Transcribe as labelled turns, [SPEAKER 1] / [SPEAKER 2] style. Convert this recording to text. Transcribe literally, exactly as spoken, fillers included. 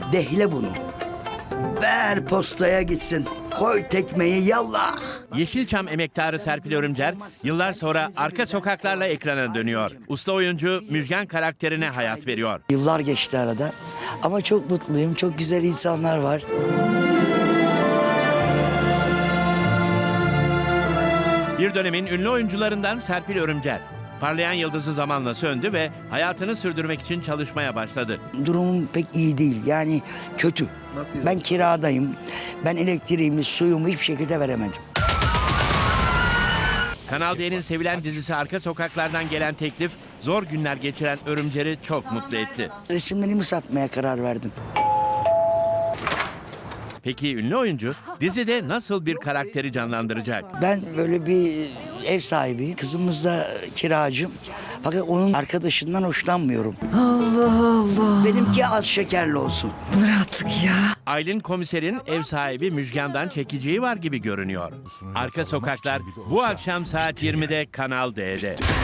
[SPEAKER 1] Dehle bunu. Ver postaya gitsin. Koy tekmeyi yallah.
[SPEAKER 2] Yeşilçam emektarı Serpil Örümcer yıllar sonra Arka Sokaklar'la ekrana dönüyor. Usta oyuncu Müjgan karakterine hayat veriyor.
[SPEAKER 1] Yıllar geçti arada ama çok mutluyum. Çok güzel insanlar var.
[SPEAKER 2] Bir dönemin ünlü oyuncularından Serpil Örümcer. Parlayan yıldızı zamanla söndü ve hayatını sürdürmek için çalışmaya başladı.
[SPEAKER 1] Durumum pek iyi değil. Yani kötü. Ben kiradayım. Ben elektriğimi, suyumu hiçbir şekilde veremedim.
[SPEAKER 2] Kanal D'nin sevilen dizisi Arka Sokaklar'dan gelen teklif zor günler geçiren Örümcer'i çok mutlu etti.
[SPEAKER 1] Resimlerimi satmaya karar verdim.
[SPEAKER 2] Peki ünlü oyuncu dizide nasıl bir karakteri canlandıracak?
[SPEAKER 1] Ben böyle bir ev sahibiyim. Kızımız da kiracım. Fakat onun arkadaşından hoşlanmıyorum.
[SPEAKER 3] Allah Allah.
[SPEAKER 1] Benimki az şekerli olsun.
[SPEAKER 3] Dur artık ya.
[SPEAKER 2] Aylin Komiser'in ev sahibi Müjgan'dan çekeceği var gibi görünüyor. Arka Sokaklar bu akşam saat yirmide Kanal D'de.